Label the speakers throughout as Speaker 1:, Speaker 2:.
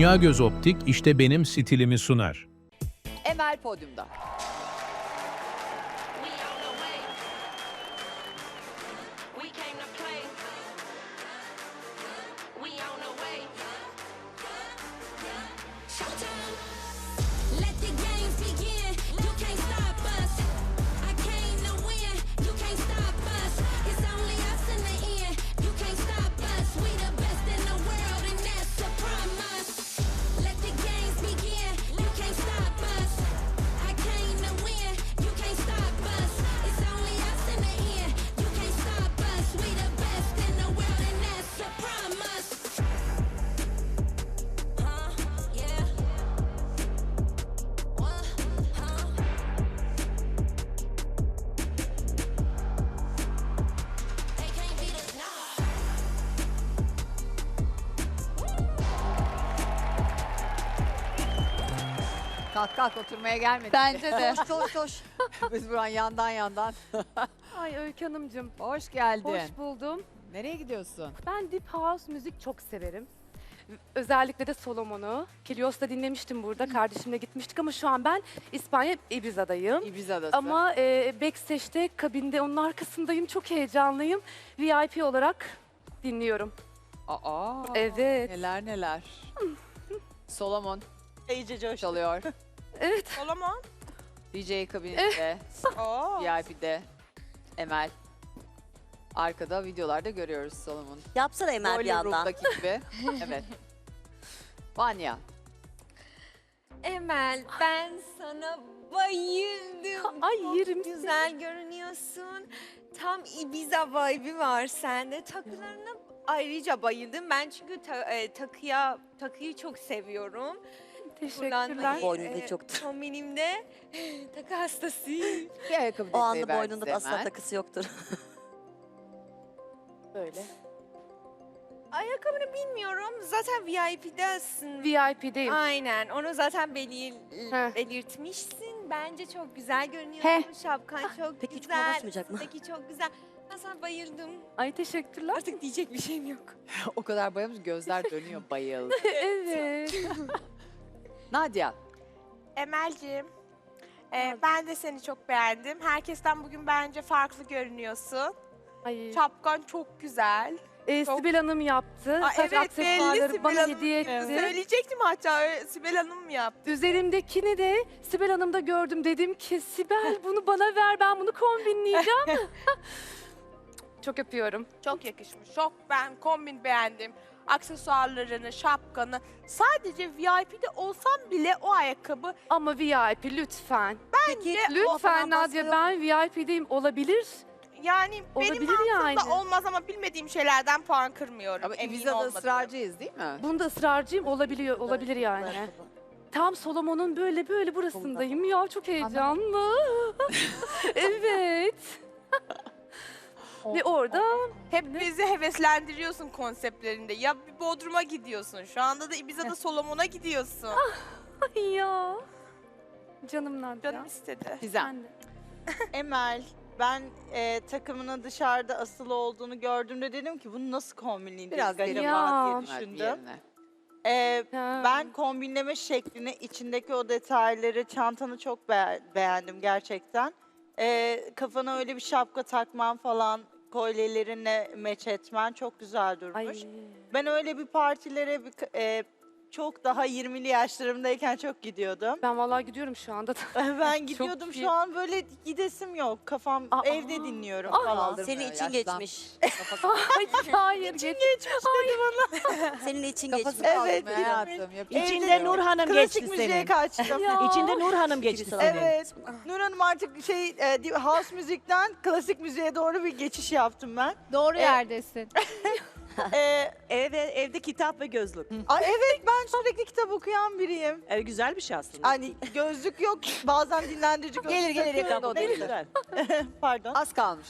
Speaker 1: Dünya Göz Optik işte benim stilimi sunar.
Speaker 2: Emel podyumda.
Speaker 3: We on the way. We came to play. We on the way.
Speaker 4: Showtime. Let the games begin. You can't stop us. I came to win. You can't stop us. It's only us in the end. You can't stop us. We the best in the world, and that's a promise. Let the games begin. You can't stop us. I came to win. You can't stop us. It's only us in the end. You can't stop us. We the best in the world, and that's a promise. Yeah. What? They can't beat us now.
Speaker 2: Kalk kalk oturmaya gelmedi.
Speaker 5: Bence de. Koş koş.
Speaker 2: Biz buradan yandan.
Speaker 6: Ay Öykü Hanımcığım,
Speaker 2: Hoş geldin.
Speaker 6: hoş buldum.
Speaker 2: Nereye gidiyorsun?
Speaker 6: Ben Deep House müzik çok severim. Özellikle de Solomon'u. Kilios'ta dinlemiştim burada. Kardeşimle gitmiştik ama şu an ben İspanya Ibiza'dayım.
Speaker 2: Ibiza'dasın.
Speaker 6: Ama backstage'de, kabinde onun arkasındayım. Çok heyecanlıyım. VIP olarak dinliyorum.
Speaker 2: Aa,
Speaker 6: Evet.
Speaker 2: neler. Solomon
Speaker 5: İyice coş.
Speaker 2: çalıyor.
Speaker 6: Evet.
Speaker 5: Solomon.
Speaker 2: DJ kabininde,
Speaker 5: Oo.
Speaker 2: VIP'de Emel. Arkada videolarda görüyoruz Solomon.
Speaker 7: Yapsana Emel bir
Speaker 2: Boiler
Speaker 7: yandan.
Speaker 2: Room'daki gibi. Evet. Vanya.
Speaker 8: Emel, ben sana bayıldım.
Speaker 6: Ay,
Speaker 8: Çok
Speaker 6: yerim
Speaker 8: güzel görünüyorsun. Tam Ibiza vibe'i var sende. Takılarına ayrıca bayıldım. Ben çünkü takıyı çok seviyorum.
Speaker 6: Teşekkürler.
Speaker 7: Boynunda çoktur.
Speaker 8: Kombinimde takı hastasıyım.
Speaker 2: Bir ayakkabı
Speaker 7: O
Speaker 2: detayı
Speaker 7: anda
Speaker 2: ver
Speaker 7: boynunda
Speaker 2: bize
Speaker 7: da asla
Speaker 2: Emel.
Speaker 7: takısı yoktur.
Speaker 6: Böyle.
Speaker 8: Ayakkabını bilmiyorum. Zaten VIP'desin.
Speaker 6: VIP'deyim.
Speaker 8: Aynen. Onu zaten
Speaker 6: Heh.
Speaker 8: belirtmişsin. Bence çok güzel görünüyor.
Speaker 6: Heh.
Speaker 8: Şapkan çok
Speaker 7: Peki hiç
Speaker 8: güzel.
Speaker 7: basmayacak mı?
Speaker 8: Üstteki çok güzel. Ben sana bayıldım.
Speaker 6: Ay teşekkürler.
Speaker 8: Artık diyecek bir şeyim yok.
Speaker 2: O kadar bayılmış gözler dönüyor bayıldı.
Speaker 6: Evet.
Speaker 2: Nadia.
Speaker 5: Emel'ciğim. Ben de seni çok beğendim. Herkesten bugün bence farklı görünüyorsun.
Speaker 6: Ay.
Speaker 5: Şapkan çok güzel. çok-
Speaker 6: Sibel Hanım yaptı.
Speaker 5: Aa,
Speaker 6: Saç
Speaker 5: belli
Speaker 6: aksesuarları
Speaker 5: Sibel
Speaker 6: bana
Speaker 5: Hanım.
Speaker 6: hediye etti.
Speaker 5: Söyleyecektim hatta Sibel Hanım mı yaptı?
Speaker 6: Üzerimdekini de Sibel Hanım'da gördüm. Dedim ki Sibel bunu bana ver, ben bunu kombinleyeceğim. Çok öpüyorum.
Speaker 5: Çok yakışmış. Çok ben kombin beğendim. Aksesuarlarını, şapkanı. Sadece VIP'de olsam bile o ayakkabı
Speaker 6: Ama VIP lütfen.
Speaker 5: bence
Speaker 6: Lütfen Nadia, ben VIP'deyim, olabilir.
Speaker 5: yani benim
Speaker 6: Olabilir
Speaker 5: mantığımda
Speaker 6: yani.
Speaker 5: olmaz ama bilmediğim şeylerden puan kırmıyorum.
Speaker 2: Ama
Speaker 5: Emin
Speaker 2: Ibiza'da
Speaker 5: olmadım.
Speaker 2: ısrarcıyız değil mi?
Speaker 6: Bunda ısrarcıyım, olabilir yani. Tam Solomon'un böyle burasındayım ya, çok heyecanlı. Evet. Ve orada
Speaker 5: Hep bizi heveslendiriyorsun konseptlerinde. Ya bir Bodrum'a gidiyorsun. Şu anda da Ibiza'da Solomon'a gidiyorsun.
Speaker 6: ay ya. Canım Nadia.
Speaker 5: Canım istedi.
Speaker 2: Gizem.
Speaker 6: Ben de.
Speaker 9: Emel, ben takımının dışarıda asılı olduğunu gördüğümde dedim ki bunu nasıl kombinleyeceğiz
Speaker 2: Biraz
Speaker 9: acaba
Speaker 2: geri
Speaker 6: Ya.
Speaker 9: diye düşündüm.
Speaker 2: Yerine.
Speaker 9: Ben kombinleme şeklini, içindeki o detayları, çantanı çok beğendim gerçekten. Kafana öyle bir şapka takman falan, kolyelerinle meç etmen çok güzel durmuş.
Speaker 6: Ay.
Speaker 9: Ben öyle bir partilere çok daha 20'li yaşlarımdayken çok gidiyordum.
Speaker 6: Ben vallahi gidiyorum şu anda.
Speaker 9: Ben gidiyordum
Speaker 6: iyi.
Speaker 9: şu an böyle gidesim yok. Kafam
Speaker 6: Aa.
Speaker 9: evde dinliyorum
Speaker 6: Aa.
Speaker 9: falan.
Speaker 2: Kaldırmıyor,
Speaker 7: Senin için
Speaker 2: yaşlan-
Speaker 7: geçmiş.
Speaker 6: Ay, hayır geç.
Speaker 7: Senin için
Speaker 2: Kafası
Speaker 7: geçmiş.
Speaker 9: Evet,
Speaker 2: kaldırmıyor hayatım. yapacak bir şey
Speaker 9: İçinde
Speaker 2: yok.
Speaker 9: Nur Hanım
Speaker 10: geçti
Speaker 9: klasik müziğe
Speaker 10: senin.
Speaker 9: kaçtım.
Speaker 6: Ya.
Speaker 10: İçinde Nur Hanım geçti senin.
Speaker 9: Evet. Nur Hanım artık house müzikten klasik müziğe doğru bir geçiş yaptım ben.
Speaker 8: Doğru yerdesin.
Speaker 10: Evde kitap ve gözlük.
Speaker 9: Evet, ben sürekli kitap okuyan biriyim.
Speaker 10: Güzel bir şey aslında.
Speaker 9: Hani gözlük yok, bazen dinlendirici gözlük
Speaker 2: Gelir
Speaker 9: takıyorum.
Speaker 2: yakında o da gelir.
Speaker 10: Güzel.
Speaker 9: Pardon.
Speaker 2: Az kalmış.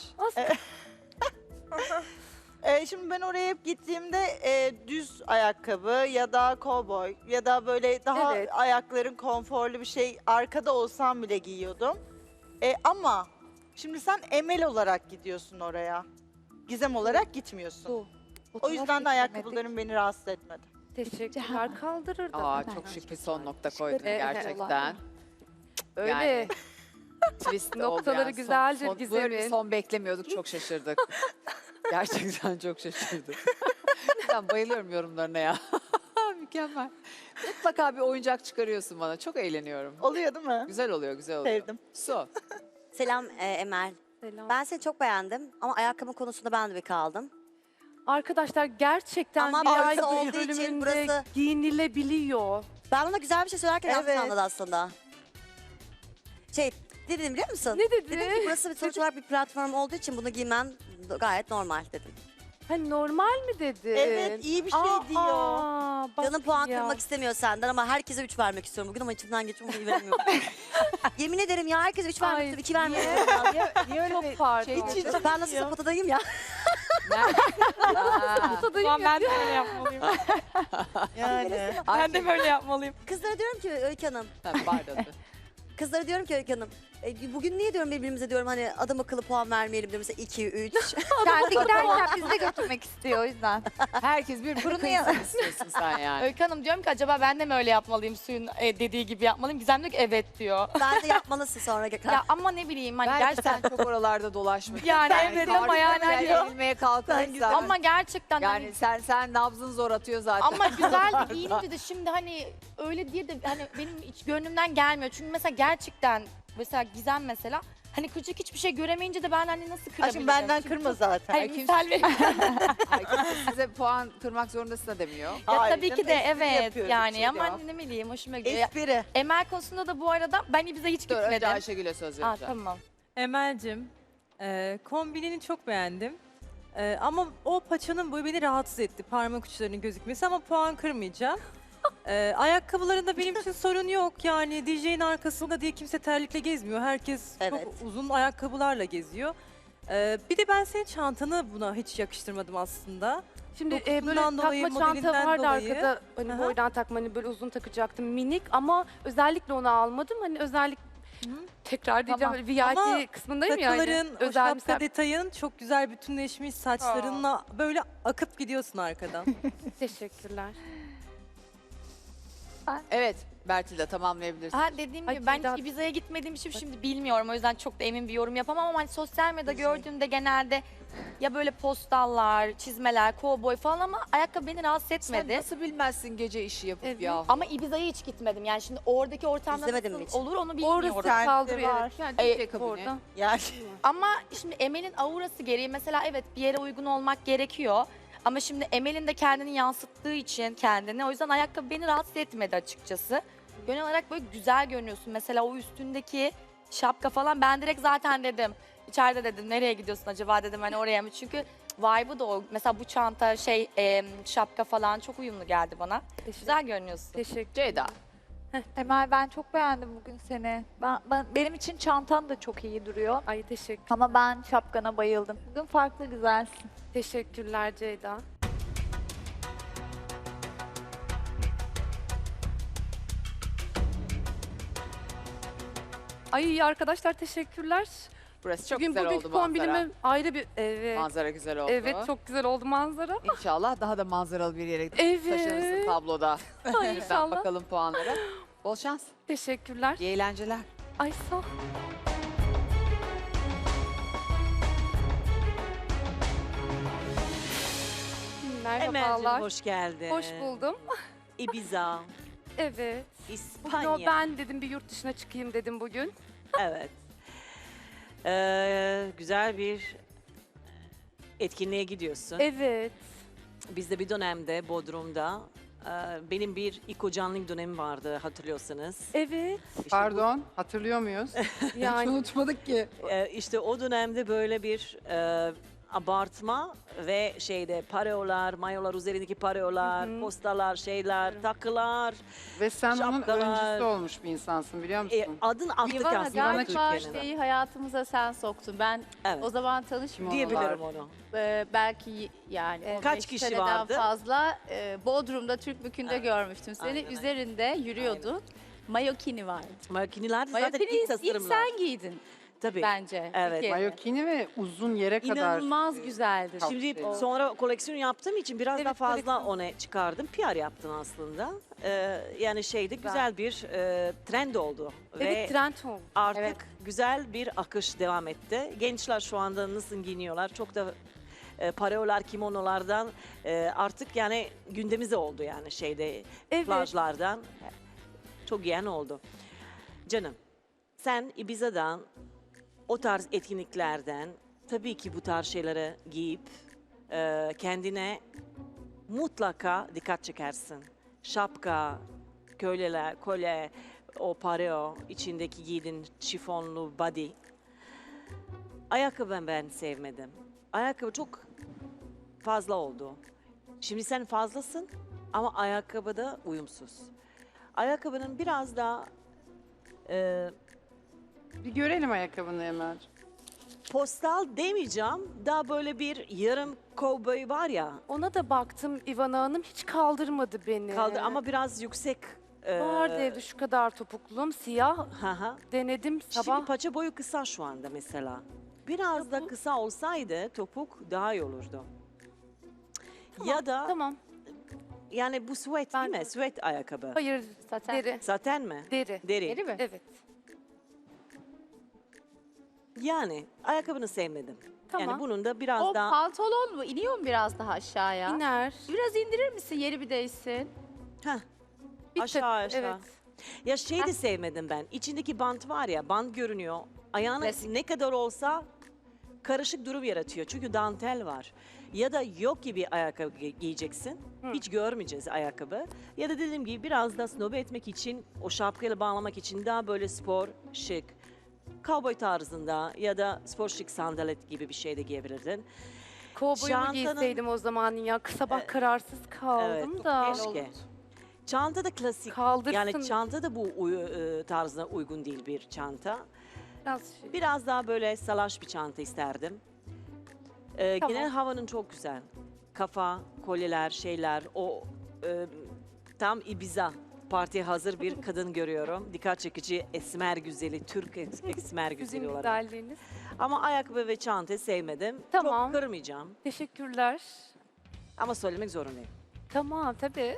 Speaker 9: Şimdi ben oraya hep gittiğimde düz ayakkabı ya da kovboy ya da böyle daha
Speaker 6: Evet.
Speaker 9: ayakların konforlu bir şey arkada olsam bile giyiyordum. Ama şimdi sen Emel olarak gidiyorsun oraya. Gizem olarak gitmiyorsun. O yüzden de ayakkabıların beni rahatsız etmedi.
Speaker 6: Teşekkürler. Kaldırırdım.
Speaker 2: Aa çok şık bir son nokta koydun
Speaker 6: Evet.
Speaker 2: gerçekten.
Speaker 6: Öyle.
Speaker 2: Yani twist
Speaker 6: Noktaları
Speaker 2: olmayan
Speaker 6: güzeldir
Speaker 2: Böyle bir
Speaker 6: Gizem'in.
Speaker 2: son beklemiyorduk, çok şaşırdık. Gerçekten çok şaşırdık. Ben bayılıyorum yorumlarına ya. Mükemmel. Mutlaka bir oyuncak çıkarıyorsun bana. Çok eğleniyorum.
Speaker 9: Oluyor değil mi?
Speaker 2: Güzel oluyor, güzel oluyor.
Speaker 9: Sevdim.
Speaker 2: Su.
Speaker 7: Selam Emel.
Speaker 6: Selam.
Speaker 7: Ben seni çok beğendim ama ayakkabı konusunda ben de bir kaldım.
Speaker 6: Arkadaşlar gerçekten
Speaker 7: Ama
Speaker 6: bir
Speaker 7: burası
Speaker 6: ayakkabı
Speaker 7: olduğu için
Speaker 6: bölümünde
Speaker 7: burası-
Speaker 6: giyinilebiliyor.
Speaker 7: Ben ona güzel bir şey söylerken yanlış
Speaker 9: Evet.
Speaker 7: anladı aslında. Ne dedim biliyor musun?
Speaker 6: Ne dedi?
Speaker 7: Dedim ki burası bir sonuç olarak bir platform olduğu için bunu giymen gayet normal dedim.
Speaker 6: Ha, normal mi dedi?
Speaker 9: Evet, iyi bir şey diyor.
Speaker 6: Bak
Speaker 7: Canım puan
Speaker 6: ya.
Speaker 7: kırmak istemiyor senden ama herkese 3 vermek istiyorum bugün ama içimden geçiyor bunu veremiyorum. Yemin ederim ya herkese 3 vermek
Speaker 6: Ay,
Speaker 7: istiyorum 2 vermek istiyorum.
Speaker 2: Niye öyle
Speaker 6: Çok
Speaker 2: bir
Speaker 6: pardon.
Speaker 2: şey çıktı?
Speaker 7: Ben nasıl sapatadayım ya.
Speaker 6: Tadayım
Speaker 5: Ben de böyle yapmalıyım.
Speaker 9: Yani.
Speaker 5: Ben de böyle yapmalıyım.
Speaker 7: Kızlara diyorum ki Öykü Hanım.
Speaker 2: Pardon.
Speaker 7: Kızlara diyorum ki Öykü Hanım. Bugün niye diyorum birbirimize diyorum hani adam akıllı puan vermeyelim diyorum mesela 2, 3.
Speaker 11: Kendi giderken bizi de götürmek istiyor o yüzden.
Speaker 2: Herkes bir kıyısını istiyorsun sen yani.
Speaker 11: Öykü Hanım diyorum ki acaba ben de mi öyle yapmalıyım suyun dediği gibi yapmalıyım. Gizem diyor ki evet diyor.
Speaker 7: Bence yapmalısın sonra Gökhan.
Speaker 11: Ya ama ne bileyim hani
Speaker 2: Belki
Speaker 11: gerçekten
Speaker 2: sen çok oralarda dolaşmak.
Speaker 11: Yani evet ama yani hani-
Speaker 2: Yenilmeye kalkarsan.
Speaker 11: ama gerçekten hani
Speaker 2: Yani sen nabzın zor atıyor zaten.
Speaker 11: ama güzel de giyinince de şimdi hani öyle diye de hani benim hiç gönlümden gelmiyor. Çünkü mesela gerçekten mesela Gizem mesela hani kıracak hiçbir şey göremeyince de ben hani nasıl kırabilirim?
Speaker 9: Aşkım benden
Speaker 11: Çünkü
Speaker 9: kırma
Speaker 11: çok-
Speaker 9: zaten.
Speaker 11: Hayır misal vereyim.
Speaker 2: Ay, kimse size puan kırmak zorundasın da demiyor.
Speaker 11: Ya
Speaker 9: Hayır
Speaker 11: tabii ki
Speaker 9: canım,
Speaker 11: de
Speaker 9: espri
Speaker 11: evet
Speaker 9: yapıyoruz,
Speaker 11: yani
Speaker 9: bir şey
Speaker 11: ama
Speaker 9: yok.
Speaker 11: ne bileyim hoşuma gidiyor. Ya,
Speaker 9: Espri.
Speaker 11: Emel konusunda da bu arada ben Ibiza'ya hiç
Speaker 2: Dur önce
Speaker 11: gitmedim.
Speaker 2: Ayşegül'e söz
Speaker 11: Aa,
Speaker 2: vereceğim.
Speaker 11: tamam.
Speaker 12: Emel'cim, kombinini çok beğendim. Ama o paçanın boyu beni rahatsız etti. Parmak uçlarının gözükmesi ama puan kırmayacağım. Ayakkabılarında benim için sorun yok. Yani DJ'nin arkasında diye kimse terlikle gezmiyor. Herkes
Speaker 7: Evet.
Speaker 12: çok uzun ayakkabılarla geziyor. Bir de ben senin çantanı buna hiç yakıştırmadım aslında.
Speaker 6: Şimdi
Speaker 12: Dokusundan
Speaker 6: böyle
Speaker 12: dolayı,
Speaker 6: takma çanta
Speaker 12: modelinden
Speaker 6: vardı
Speaker 12: dolayı.
Speaker 6: arkada. Hani
Speaker 12: Aha.
Speaker 6: boydan takma hani böyle uzun takacaktım minik ama özellikle onu almadım. Hani özellikle tekrar diyeceğim
Speaker 12: Tamam.
Speaker 6: VIP
Speaker 12: Ama
Speaker 6: kısmındayım yani.
Speaker 12: Takıların, o
Speaker 6: Özel
Speaker 12: şapka
Speaker 6: misafir-
Speaker 12: detayın çok güzel bütünleşmiş saçlarınla böyle akıp gidiyorsun arkadan.
Speaker 6: Teşekkürler.
Speaker 2: Evet Bertil'de tamamlayabilirsin.
Speaker 11: Ha dediğim
Speaker 6: Ay,
Speaker 11: gibi ben
Speaker 6: Ceyda-
Speaker 11: hiç Ibiza'ya gitmediğim için şimdi bilmiyorum. O yüzden çok da emin bir yorum yapamam ama hani sosyal medyada gördüğümde genelde ya böyle postallar, çizmeler, kovboy falan ama ayakkabı beni rahatsız
Speaker 2: Sen
Speaker 11: etmedi.
Speaker 2: nasıl bilmezsin gece işi yapıp
Speaker 6: Evet.
Speaker 2: ya?
Speaker 11: Ama Ibiza'ya hiç gitmedim. Yani şimdi oradaki ortamda
Speaker 7: İzlemedin mi
Speaker 11: nasıl
Speaker 7: hiç?
Speaker 11: olur onu bilmiyorum.
Speaker 6: Orası
Speaker 9: Sende
Speaker 6: kaldırıyor.
Speaker 9: var.
Speaker 6: Evet. Yani
Speaker 2: DJ
Speaker 6: diyecek
Speaker 2: kabini.
Speaker 6: orada.
Speaker 9: Yani.
Speaker 11: Ama şimdi Emel'in aurası gereği mesela evet bir yere uygun olmak gerekiyor. Ama şimdi Emel'in de kendini yansıttığı için kendini o yüzden ayakkabı beni rahatsız etmedi açıkçası. Genel olarak böyle güzel görünüyorsun. Mesela o üstündeki şapka falan ben direkt zaten dedim. İçeride dedim nereye gidiyorsun acaba dedim hani oraya mı? Çünkü vibe'ı da o. Mesela bu çanta şapka falan çok uyumlu geldi bana. Güzel görünüyorsun.
Speaker 6: Teşekkür.
Speaker 2: Ceyda.
Speaker 11: Emel ben çok beğendim bugün seni. Benim için çantan da çok iyi duruyor.
Speaker 6: Ay teşekkür.
Speaker 11: Ama ben şapkana bayıldım. Bugün farklı güzelsin.
Speaker 6: Teşekkürler Ceyda. Ay arkadaşlar teşekkürler.
Speaker 2: Burası çok
Speaker 6: Bugün
Speaker 2: güzel
Speaker 6: bugünkü
Speaker 2: oldu manzara.
Speaker 6: kombinime ayrı bir evet.
Speaker 2: Manzara güzel oldu.
Speaker 6: Evet çok güzel oldu manzara.
Speaker 2: İnşallah daha da manzaralı bir yere
Speaker 6: Evet.
Speaker 2: taşınırsın tabloda.
Speaker 6: Ay,
Speaker 2: Lütfen
Speaker 6: inşallah.
Speaker 2: bakalım puanlara. Bol şans.
Speaker 6: Teşekkürler.
Speaker 2: İyi eğlenceler.
Speaker 6: Ay sağ ol.
Speaker 10: Emel'cim
Speaker 6: Merhabalar.
Speaker 10: hoş geldin.
Speaker 6: Hoş buldum.
Speaker 10: Ibiza,
Speaker 6: Evet. Bugün
Speaker 10: İspanya.
Speaker 6: ben dedim bir yurt dışına çıkayım dedim bugün.
Speaker 10: Evet. Güzel bir etkinliğe gidiyorsun.
Speaker 6: Evet.
Speaker 10: Biz de bir dönemde Bodrum'da benim bir İkocanlık dönemim vardı hatırlıyorsanız.
Speaker 6: Evet.
Speaker 10: İşte
Speaker 13: Pardon, hatırlıyor muyuz? Hiç
Speaker 6: Yani
Speaker 13: unutmadık ki.
Speaker 10: işte o dönemde böyle bir abartma ve pareolar, mayolar üzerindeki pareolar,
Speaker 6: Hı hı.
Speaker 10: postalar, takılar.
Speaker 13: Ve sen onun
Speaker 10: Şapkalar.
Speaker 13: öncüsü olmuş bir insansın biliyor musun?
Speaker 10: Adın attık aslında Türkiye'nin.
Speaker 11: hayatımıza sen soktun. Ben
Speaker 10: Evet.
Speaker 11: o zaman
Speaker 13: Kim
Speaker 11: tanışmıyordum.
Speaker 10: Diyebilirim onu.
Speaker 11: Belki yani
Speaker 10: Evet.
Speaker 11: 15
Speaker 10: Kaç kişi
Speaker 11: seneden
Speaker 10: vardı?
Speaker 11: fazla Bodrum'da Türk Bükü'nde
Speaker 10: Evet.
Speaker 11: görmüştüm seni.
Speaker 10: Aynen,
Speaker 11: Üzerinde yürüyordun. Mayokini vardı.
Speaker 10: Makineler de zaten
Speaker 11: Mayokini
Speaker 10: ilk
Speaker 11: ilk
Speaker 10: tasarımlar.
Speaker 11: sen giydin.
Speaker 10: Tabii.
Speaker 11: bence.
Speaker 10: Evet.
Speaker 13: Mayokini ve uzun yere kadar.
Speaker 11: İnanılmaz güzeldi.
Speaker 10: Şimdi
Speaker 13: Kapsül.
Speaker 10: sonra koleksiyon yaptığım için biraz
Speaker 6: Evet,
Speaker 10: daha fazla
Speaker 6: koleksiyon.
Speaker 10: onu çıkardım. PR yaptım aslında. Yani şeyde güzel bir trend oldu. Ve
Speaker 6: Evet trend oldu.
Speaker 10: artık
Speaker 11: Evet.
Speaker 10: güzel bir akış devam etti. Gençler şu anda nasıl giyiniyorlar? Çok da pareolar, kimonolardan artık yani gündemimize oldu yani şeyde
Speaker 6: Evet.
Speaker 10: plajlardan. Çok giyen oldu. Canım sen Ibiza'dan o tarz etkinliklerden tabii ki bu tarz şeyleri giyip kendine mutlaka dikkat çekersin. Şapka, köleler, kolye, o pareo, içindeki giydiğin şifonlu body. Ayakkabı ben sevmedim. Ayakkabı çok fazla oldu. Şimdi sen fazlasın ama ayakkabıda uyumsuz. Ayakkabının biraz daha
Speaker 13: Bir görelim ayakkabını Emel.
Speaker 10: postal demeyeceğim. Daha böyle bir yarım kovboy var ya.
Speaker 6: Ona da baktım Ivana Hanım hiç kaldırmadı beni.
Speaker 10: Kaldı ama biraz yüksek.
Speaker 6: Vardı evde şu kadar topuklum siyah.
Speaker 10: Hı.
Speaker 6: Denedim
Speaker 10: Şimdi
Speaker 6: sabah.
Speaker 10: paça boyu kısa şu anda mesela. Biraz da kısa olsaydı topuk daha iyi olurdu. Ya da
Speaker 6: Tamam.
Speaker 10: yani bu sweat
Speaker 6: Ben-
Speaker 10: değil mi? Sweat ayakkabı.
Speaker 6: Hayır
Speaker 11: Saten.
Speaker 6: deri.
Speaker 10: Saten mi?
Speaker 6: Deri.
Speaker 10: Deri.
Speaker 11: Deri mi?
Speaker 6: Evet.
Speaker 10: Yani ayakkabını sevmedim.
Speaker 6: Tamam.
Speaker 10: Yani bunun da biraz
Speaker 11: O
Speaker 10: daha
Speaker 11: pantolon mu? İniyor mu biraz daha aşağıya?
Speaker 6: İner.
Speaker 11: Biraz indirir misin? Yeri bir değişsin.
Speaker 6: Bir
Speaker 10: aşağı
Speaker 6: tık,
Speaker 10: aşağı.
Speaker 6: Evet.
Speaker 10: Ya şey de sevmedim ben. İçindeki bant var ya, bant görünüyor. Ayağına
Speaker 11: Klasik.
Speaker 10: ne kadar olsa karışık durum yaratıyor. Çünkü dantel var. Ya da yok gibi ayakkabı giyeceksin. Hiç görmeyeceğiz ayakkabı. Ya da dediğim gibi biraz da snob etmek için, o şapkayla bağlamak için daha böyle spor, şık, cowboy tarzında ya da spor şık sandalet gibi bir şey de giyebilirdin.
Speaker 6: Kovboyumu
Speaker 10: Çantanın-
Speaker 6: giyseydim o zaman ya. Sabah kararsız kaldım
Speaker 10: Evet,
Speaker 6: da.
Speaker 10: keşke. Çanta da klasik.
Speaker 6: Kaldırsın.
Speaker 10: Yani çanta da bu tarzına uygun değil bir çanta.
Speaker 6: Biraz şey.
Speaker 10: Biraz daha böyle salaş bir çanta isterdim.
Speaker 6: Tamam.
Speaker 10: Genel havanın çok güzel. Kafa, kolyeler, şeyler, o tam Ibiza partiye hazır bir kadın görüyorum. Dikkat çekici esmer güzeli, Türk esmer güzeli
Speaker 6: Sizin
Speaker 10: olarak.
Speaker 6: güzelliğiniz.
Speaker 10: Ama ayakkabı ve çanta sevmedim.
Speaker 6: Tamam.
Speaker 10: Çok kırmayacağım
Speaker 6: Teşekkürler.
Speaker 10: ama söylemek zorundayım.
Speaker 6: Tamam tabii.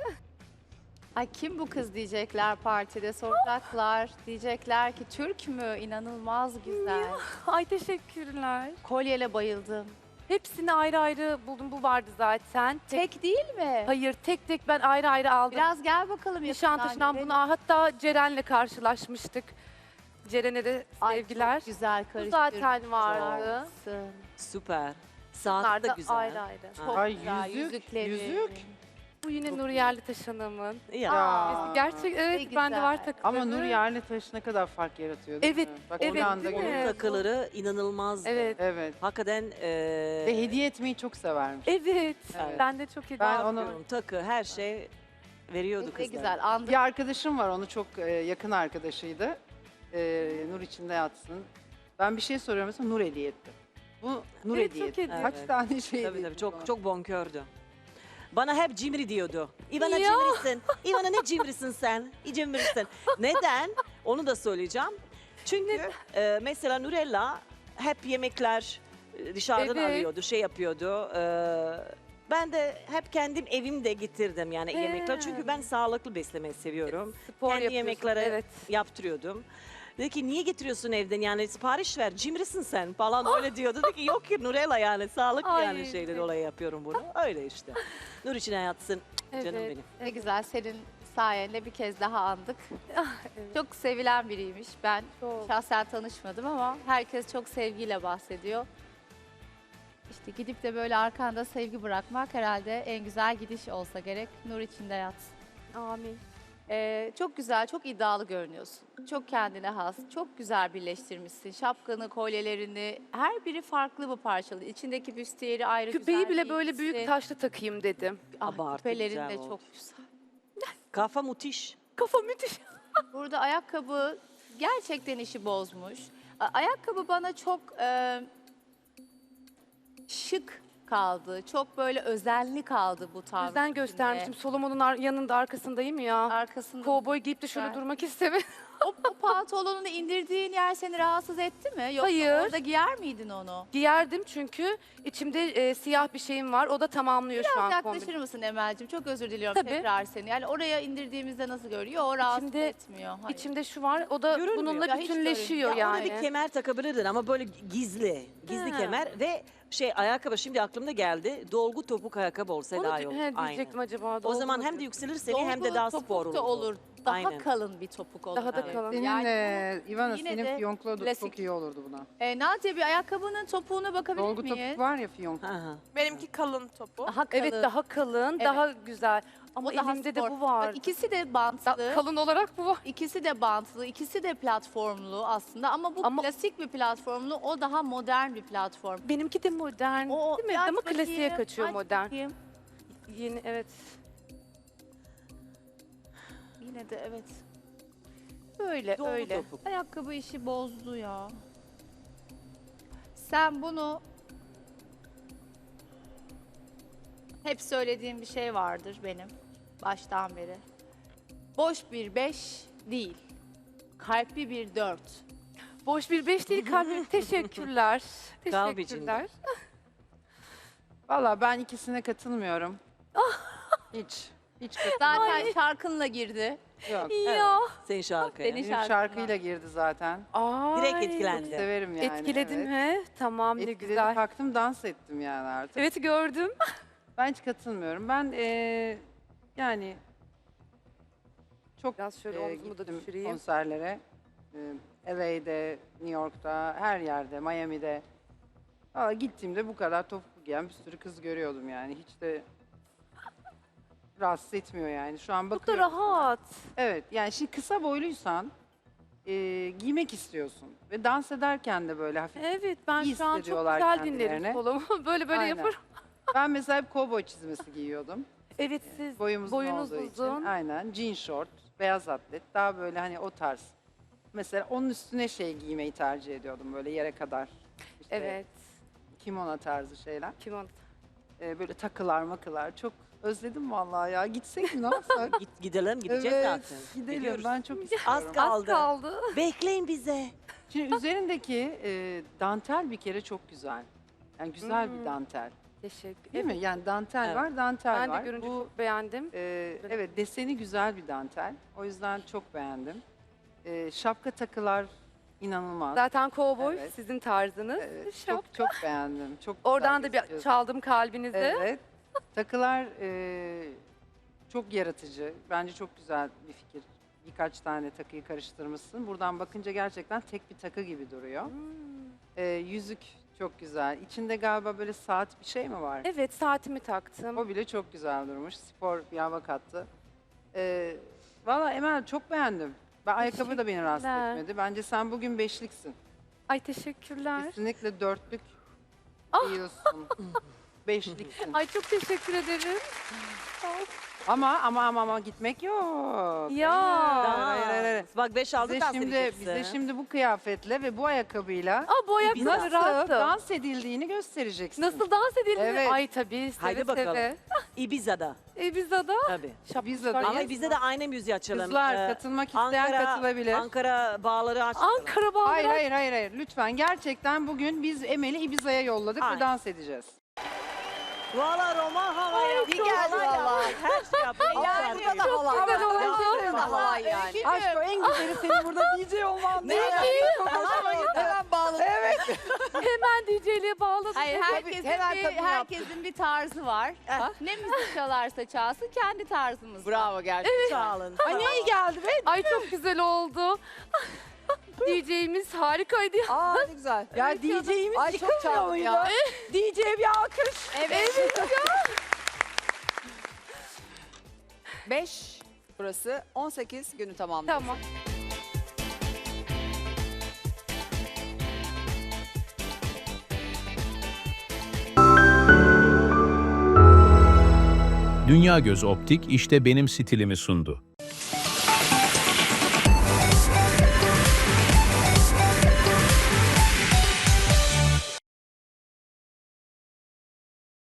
Speaker 11: Ay kim bu kız diyecekler partide soracaklar. Diyecekler ki Türk mü? İnanılmaz güzel.
Speaker 6: Ay teşekkürler.
Speaker 11: Kolyele bayıldım.
Speaker 6: Hepsini ayrı ayrı buldum. Bu vardı zaten.
Speaker 11: Tek değil mi?
Speaker 6: Hayır tek tek ben ayrı ayrı aldım.
Speaker 11: Biraz gel bakalım
Speaker 6: Nişantaşı'ndan
Speaker 11: görelim.
Speaker 6: bunu hatta Ceren'le karşılaşmıştık. Ceren'e de
Speaker 11: Ay,
Speaker 6: sevgiler.
Speaker 11: çok güzel
Speaker 6: Bu
Speaker 11: karıştırdın.
Speaker 6: zaten vardı.
Speaker 10: Süper.
Speaker 6: Bunlar
Speaker 10: Saat
Speaker 6: da
Speaker 10: da güzel.
Speaker 6: ayrı ayrı.
Speaker 11: Çok
Speaker 13: Ay,
Speaker 11: güzel
Speaker 13: yüzük,
Speaker 11: yüzükleri.
Speaker 13: yüzük.
Speaker 6: Bu yine Nur Yerlitaş Hanım'ın.
Speaker 10: Ya.
Speaker 6: Gerçek evet
Speaker 11: ne
Speaker 6: bende var
Speaker 11: güzel.
Speaker 6: takıları.
Speaker 13: Ama Nur Yerlitaş ne kadar fark yaratıyor değil
Speaker 6: Evet,
Speaker 13: mi? Bak
Speaker 6: evet,
Speaker 13: bir anda
Speaker 6: değil mi?
Speaker 10: Onun
Speaker 13: görüyorsun.
Speaker 10: takıları inanılmazdı.
Speaker 6: Evet.
Speaker 13: Evet.
Speaker 10: Hakikaten
Speaker 13: Ve hediye etmeyi çok severmiş.
Speaker 6: Evet.
Speaker 10: Evet.
Speaker 6: Ben de çok iyi.
Speaker 13: Ben
Speaker 10: bakıyorum, takı her şey veriyordu
Speaker 11: Ne
Speaker 10: kızlar.
Speaker 11: güzel andık.
Speaker 13: Bir arkadaşım var, onu çok yakın arkadaşıydı. Nur içinde yatsın. Ben bir şey soruyorum mesela, Nur hediye etti. Bu Nur
Speaker 6: Evet,
Speaker 13: hediye
Speaker 6: çok
Speaker 13: etti.
Speaker 6: hediye.
Speaker 13: Kaç
Speaker 10: Evet.
Speaker 13: tane şey
Speaker 10: Tabii
Speaker 13: hediye
Speaker 10: tabii
Speaker 13: etti
Speaker 10: çok
Speaker 13: bana.
Speaker 10: çok bonkördü. Bana hep cimri diyordu. İvana
Speaker 6: Ya.
Speaker 10: cimrisin. İvana ne cimrisin sen? Cimrisin. Neden? Onu da söyleyeceğim. Çünkü mesela Nurella hep yemekler dışarıdan
Speaker 6: Evet.
Speaker 10: alıyordu, şey yapıyordu. Ben de hep kendim evimde getirdim yani yemekler. Çünkü ben sağlıklı beslemeyi seviyorum.
Speaker 6: Spor
Speaker 10: Kendi
Speaker 6: yapıyorsun,
Speaker 10: yemekleri
Speaker 6: evet.
Speaker 10: yaptırıyordum. Dedi ki niye getiriyorsun evden yani sipariş ver cimrisin sen falan öyle diyordu. Dedi ki yok ki Nurella yani sağlıklı
Speaker 6: Ay,
Speaker 10: yani şeyden dolayı yapıyorum bunu. Öyle işte. Nur için hayatsın canım
Speaker 6: Evet.
Speaker 10: benim.
Speaker 11: Ne güzel senin sayende bir kez daha andık. Çok sevilen biriymiş. Ben
Speaker 6: Çok.
Speaker 11: şahsen tanışmadım ama herkes çok sevgiyle bahsediyor. İşte gidip de böyle arkanda sevgi bırakmak herhalde en güzel gidiş olsa gerek. Nur içinde yatsın.
Speaker 6: Amin.
Speaker 11: Çok güzel, çok iddialı görünüyorsun. Çok kendine has, çok güzel birleştirmişsin. Şapkanı, kolyelerini, her biri farklı bu parçalı. İçindeki büstiyeri ayrı
Speaker 6: Küpeyi
Speaker 11: güzel
Speaker 6: bile böyle
Speaker 11: giymişsin.
Speaker 6: büyük taşlı takayım dedim.
Speaker 11: Ah,
Speaker 10: Abartı
Speaker 11: küpelerin
Speaker 10: güzel
Speaker 11: de
Speaker 10: oldu.
Speaker 11: çok güzel.
Speaker 10: Kafa müthiş.
Speaker 6: Kafa müthiş.
Speaker 11: Burada ayakkabı gerçekten işi bozmuş. Ayakkabı bana çok şık kaldı. Çok böyle özenli kaldı bu tarz.
Speaker 6: Özen göstermiştim. Solomon'un yanında arkasındayım ya.
Speaker 11: Arkasında
Speaker 6: Kovboy giyip de şöyle
Speaker 11: Güzel.
Speaker 6: durmak istemedim.
Speaker 14: O pantolonunu indirdiğin yer seni rahatsız etti mi? Yoksa
Speaker 6: Hayır.
Speaker 14: orada giyer miydin onu?
Speaker 6: Giyerdim çünkü içimde siyah bir şeyim var. O da tamamlıyor şu
Speaker 14: Biraz
Speaker 6: an
Speaker 14: yaklaşır
Speaker 6: kombini.
Speaker 14: mısın Emel'cim? Çok özür diliyorum
Speaker 6: Tabii.
Speaker 14: tekrar seni. Yani oraya indirdiğimizde nasıl görüyor? O rahatsız
Speaker 6: İçimde-
Speaker 14: etmiyor. Hayır.
Speaker 6: İçimde şu var. O da
Speaker 10: Görünmüyor.
Speaker 6: bununla
Speaker 14: Ya hiç
Speaker 6: bütünleşiyor
Speaker 10: Ya
Speaker 6: yani.
Speaker 10: ona bir kemer takabilirdin ama böyle gizli. Gizli
Speaker 6: Ha.
Speaker 10: kemer ve ayakkabı şimdi aklımda geldi. Dolgu topuk ayakkabı olsa
Speaker 6: Onu
Speaker 10: daha iyi olur.
Speaker 6: diyecektim acaba.
Speaker 10: O
Speaker 6: dolgu
Speaker 10: zaman
Speaker 6: mu
Speaker 10: hem de
Speaker 6: diyor?
Speaker 10: yükselir seni hem de
Speaker 14: Dolgu
Speaker 10: daha
Speaker 14: topuk
Speaker 10: spor
Speaker 14: da
Speaker 10: olur.
Speaker 14: olur. Daha
Speaker 10: Aynen.
Speaker 14: kalın bir topuk olur.
Speaker 6: Daha da
Speaker 10: Evet.
Speaker 6: kalın.
Speaker 13: Senin
Speaker 14: Yani
Speaker 13: Ivana
Speaker 14: yine
Speaker 13: senin
Speaker 14: de
Speaker 13: fiyonklu da
Speaker 14: klasik.
Speaker 13: çok iyi olurdu buna.
Speaker 14: Nadia bir ayakkabının topuğuna bakabilir
Speaker 13: Dolgu
Speaker 14: miyiz?
Speaker 13: topuk var ya fiyonk.
Speaker 10: Aha.
Speaker 5: Benimki kalın topu.
Speaker 14: Daha kalın.
Speaker 6: Evet daha kalın,
Speaker 14: Evet.
Speaker 6: daha güzel. Ama
Speaker 14: O daha
Speaker 6: elimde de
Speaker 14: spor.
Speaker 6: bu var.
Speaker 14: Bak, İkisi de bantlı.
Speaker 6: Kalın olarak bu var.
Speaker 14: İkisi de bantlı, ikisi de platformlu aslında ama bu
Speaker 6: Ama-
Speaker 14: klasik bir platformlu, o daha modern bir platform.
Speaker 6: Benimki de modern değil mi?
Speaker 14: aç
Speaker 6: Ama klasiğe
Speaker 14: bakayım,
Speaker 6: kaçıyor
Speaker 14: aç
Speaker 6: modern.
Speaker 14: bakayım.
Speaker 6: Yeni evet.
Speaker 14: Yine de evet. Öyle
Speaker 10: Dolgu
Speaker 14: öyle.
Speaker 10: topuk.
Speaker 14: Ayakkabı işi bozdu ya. Sen bunu hep söylediğim bir şey vardır benim baştan beri. Boş bir 5 değil. Kalpli bir 4.
Speaker 6: Boş bir 5 değil kalbim. Teşekkürler.
Speaker 10: Kalp
Speaker 6: Teşekkürler.
Speaker 13: Valla ben ikisine katılmıyorum. Hiç. Hiç katılmıyorum.
Speaker 14: Zaten şarkınla girdi.
Speaker 13: Yok.
Speaker 6: Ya.
Speaker 10: Senin şarkıya.
Speaker 14: Senin
Speaker 13: Benim şarkıyla girdi zaten.
Speaker 6: Ay.
Speaker 10: Direkt
Speaker 13: Çok
Speaker 10: etkilendi.
Speaker 13: severim yani.
Speaker 6: Etkiledim
Speaker 13: evet.
Speaker 6: he. Tamam ne
Speaker 13: Etkiledim,
Speaker 6: güzel.
Speaker 13: kalktım dans ettim yani artık.
Speaker 6: Evet gördüm.
Speaker 13: Ben hiç katılmıyorum. Ben yani çok
Speaker 6: Biraz şöyle omzumu da
Speaker 13: gittim
Speaker 6: düşüreyim.
Speaker 13: konserlere. LA'de, New York'ta, her yerde, Miami'de. Aa, gittiğimde bu kadar topuklu giyen bir sürü kız görüyordum yani. Hiç de rahatsız etmiyor yani. Şu an
Speaker 6: Bu da
Speaker 13: bakıyorum.
Speaker 6: rahat.
Speaker 13: Evet yani şimdi kısa boyluysan giymek istiyorsun. Ve dans ederken de böyle hafif.
Speaker 6: Evet ben
Speaker 13: İyi
Speaker 6: şu an çok
Speaker 13: hissediyorlar
Speaker 6: güzel dinlerim
Speaker 13: kendilerini.
Speaker 6: kolumu. Böyle
Speaker 13: Aynen.
Speaker 6: yaparım.
Speaker 13: Ben mesela hep kovboy çizmesi giyiyordum.
Speaker 6: Evet siz
Speaker 13: Boyumuz
Speaker 6: boyunuz
Speaker 13: olduğu
Speaker 6: uzun.
Speaker 13: için. Aynen. Jean short, beyaz atlet. Daha böyle hani o tarz. Mesela onun üstüne şey giymeyi tercih ediyordum böyle yere kadar. İşte
Speaker 6: Evet.
Speaker 13: kimono tarzı şeyler.
Speaker 6: Kim o?
Speaker 13: Böyle takılar makılar. Çok özledim vallahi ya. Gitsek mi ne yapsak?
Speaker 10: Gidelim gideceğiz
Speaker 13: Evet,
Speaker 10: zaten.
Speaker 13: gidelim.
Speaker 10: Gidiyoruz.
Speaker 13: Ben çok
Speaker 10: Az
Speaker 13: istiyorum.
Speaker 10: kaldı.
Speaker 6: Kaldı.
Speaker 10: Bekleyin bize.
Speaker 13: Şimdi üzerindeki dantel bir kere çok güzel. Yani güzel bir dantel.
Speaker 6: Teşekkür
Speaker 13: Değil mi? Yani dantel
Speaker 10: Evet.
Speaker 13: var, dantel
Speaker 6: Ben de
Speaker 13: var.
Speaker 6: görünce
Speaker 13: Bu
Speaker 6: çok beğendim.
Speaker 13: evet deseni güzel bir dantel. O yüzden çok beğendim. Şapka takılar inanılmaz.
Speaker 6: Zaten kovboy
Speaker 13: Evet.
Speaker 6: sizin tarzınız.
Speaker 13: Evet,
Speaker 6: Şap-
Speaker 13: çok beğendim. Çok
Speaker 6: Oradan
Speaker 13: güzel
Speaker 6: da bir
Speaker 13: gözüküyorsun.
Speaker 6: çaldım kalbinizi.
Speaker 13: Evet. Takılar çok yaratıcı. Bence çok güzel bir fikir. Birkaç tane takıyı karıştırmışsın. Buradan bakınca gerçekten tek bir takı gibi duruyor. Yüzük çok güzel. İçinde galiba böyle saat bir şey mi var?
Speaker 6: Evet saatimi taktım.
Speaker 13: O bile çok güzel durmuş. Spor bir hava kattı. Valla Emel çok beğendim. Ben ayakkabı da beni rahatsız
Speaker 6: Teşekkürler.
Speaker 13: etmedi. Bence sen bugün beşliksin.
Speaker 6: Ay teşekkürler.
Speaker 13: Kesinlikle dörtlük
Speaker 6: Ah!
Speaker 13: giyiyorsun. Beşliksin.
Speaker 6: Ay çok teşekkür ederim.
Speaker 13: Ama gitmek yok.
Speaker 6: Ya.
Speaker 13: Hayır.
Speaker 10: Bak 5 aldık
Speaker 13: Bize şimdi bu kıyafetle ve bu ayakkabıyla
Speaker 6: Aa bu ayakkabı
Speaker 13: nasıl
Speaker 6: rahatım.
Speaker 13: dans edildiğini göstereceksin.
Speaker 6: Nasıl dans edilir?
Speaker 13: Evet.
Speaker 6: Ay tabii seve
Speaker 10: Haydi bakalım.
Speaker 6: seve.
Speaker 10: Ibiza'da.
Speaker 6: Ibiza'da.
Speaker 10: Tabii.
Speaker 13: Ibiza'da.
Speaker 10: Ama Ibiza'da aynı müziği açalım.
Speaker 13: Kızlar katılmak isteyen katılabilir.
Speaker 10: Ankara bağları açalım.
Speaker 6: Ankara bağları.
Speaker 13: Hayır. Lütfen gerçekten bugün biz Emel'i Ibiza'ya yolladık
Speaker 10: Aynen.
Speaker 13: ve dans edeceğiz.
Speaker 10: Valla Roma havaya.
Speaker 14: Bir geldi valla.
Speaker 10: Her şey yapıyor.
Speaker 14: Yani
Speaker 10: Ankara
Speaker 14: çok
Speaker 10: havaya.
Speaker 6: güzel oldu.
Speaker 10: Ya,
Speaker 14: Halay yani.
Speaker 13: Aşk o en güzeli senin burada DJ olman.
Speaker 14: Ne? Hemen bağladım. Evet.
Speaker 6: Hemen DJ'liğe bağladım.
Speaker 14: Hayır herkesin bir tarzı var. Ne müzik çalarsa çalsın kendi tarzımız. Bravo gerçekten.
Speaker 10: Sağ olun.
Speaker 13: Ay ne iyi geldi be.
Speaker 6: Ay çok güzel oldu. DJ'imiz harikaydı.
Speaker 2: Aa ne güzel.
Speaker 13: Ya DJ'imiz
Speaker 2: Ay çok çaldım ya.
Speaker 13: DJ'ye bir alkış.
Speaker 2: Evet. 5 burası 18 günü tamamladı.
Speaker 6: Tamam.
Speaker 1: Dünya Göz Optik işte benim stilimi sundu.